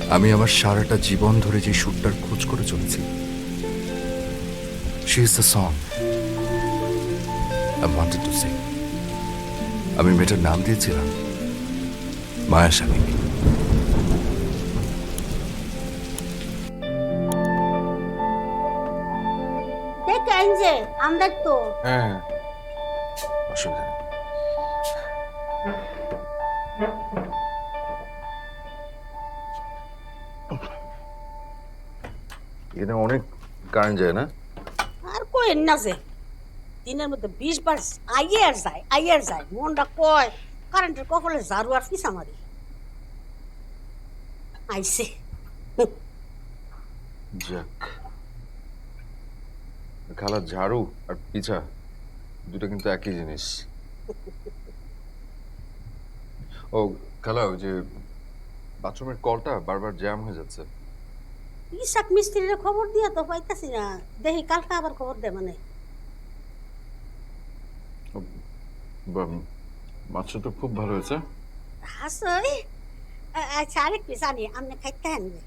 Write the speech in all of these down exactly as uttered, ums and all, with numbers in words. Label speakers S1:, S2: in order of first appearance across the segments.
S1: আমি আমার সারাটা জীবন ধরে যে সুরটার খোঁজ করে চলেছি, she is the song I wanted to sing. আমি মেয়েটার নাম দিয়েছিলাম মায়া শালিনী।
S2: দেখেন যে আমরা তো
S1: হ্যাঁ, অসুবিধা নেই। এখানে অনেক কারেন্ট যায় না?
S2: আর কইেন না যে দিনের মধ্যে বিশ বার আইয়ে আর যায় আইয়ে আর যায় মনটা কয় কারেন্টের কপালে ঝাড়ু আর পিছা মারি আইছে।
S1: যাক, খালা ঝাড়ু আর পিছা দুটো কিন্তু একই জিনিস। ও খালা, ওই যে বাথরুমের কলটা বারবার জ্যাম হয়ে যাচ্ছে।
S2: ইসাক মিস্ত্রির খবর দিয়া তো পাইতাছি না, দেখি কালকে আবার খবর দে মানে।
S1: বা- মাছটা তো খুব ভালো হয়েছে।
S2: হাসই আচ্ছা আরেক পিস আনি আপনি খাইতে আনবে।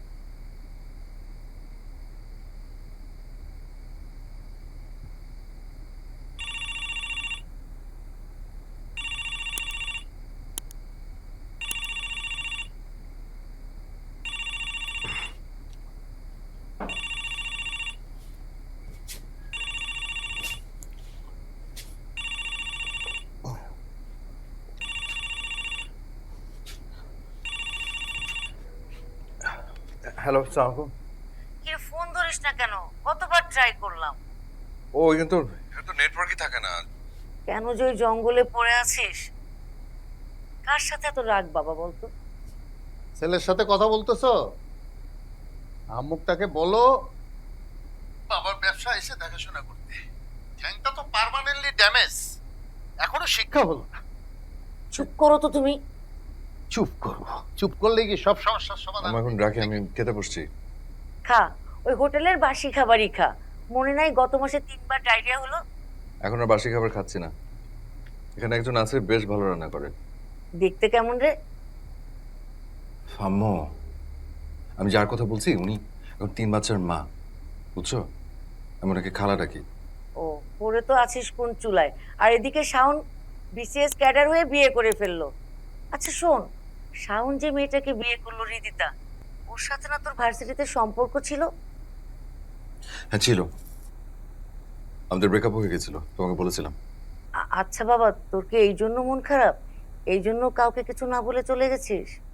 S1: হ্যালো, আসসালামু আলাইকুম।
S3: কি রে, ফোন ধরিস না কেন? কতবার ট্রাই করলাম।
S1: ও কিন্তু তো নেটওয়ার্কই থাকে না।
S3: কেন যে ওই জঙ্গলে পড়ে আছিস? কার সাথে এত রাগ বাবা বলতো?
S4: ছেলের সাথে কথা বলতেছো? আম্মুকটাকে বলো বাবার ব্যবসা এসে দেখাশোনা করতে। ঠ্যাংটা তো পার্মানেন্টলি ড্যামেজ, এখনো শিক্ষা হলো না।
S3: চুপ করো তো তুমি।
S4: চুপ করবো? চুপ করলে কি সব সমস্যার সমাধান?
S1: আমি এখন রাখি, আমি খেতে বসছি।
S3: খা, ওই হোটেলের বাসি খাবারই খা। মনে নাই গত মাসে তিনবার ডায়রিয়া হলো?
S1: এখন আর বাসি খাবার খাচ্ছি না। এখানে একজন আছে, বেশ ভালো রান্না করে।
S3: দেখতে কেমন রে?
S1: আম্মু, আমি যার কথা বলছি উনি এখন তিন বাচ্চার মা, বুঝছো? আমি ওনাকে খালা ডাকি।
S3: ও, পড়ে তো আছিস কোন চুলায়। আর এদিকে শাওন বিসিএস ক্যাডার হয়ে বিয়ে করে ফেললো। আচ্ছা শোন, শাওন যে মেয়েটাকে বিয়ে করলো রিদিতা, ওর সাথে না তোর ভার্সিটিতে সম্পর্ক ছিল?
S1: হ্যাঁ ছিল, আমাদের ব্রেকআপ হয়ে গেছিল, তোমাকে বলেছিলাম।
S3: আ- আচ্ছা বাবা, তোর কি এই জন্য মন খারাপ? এই জন্য কাউকে কিছু না বলে চলে গেছিস?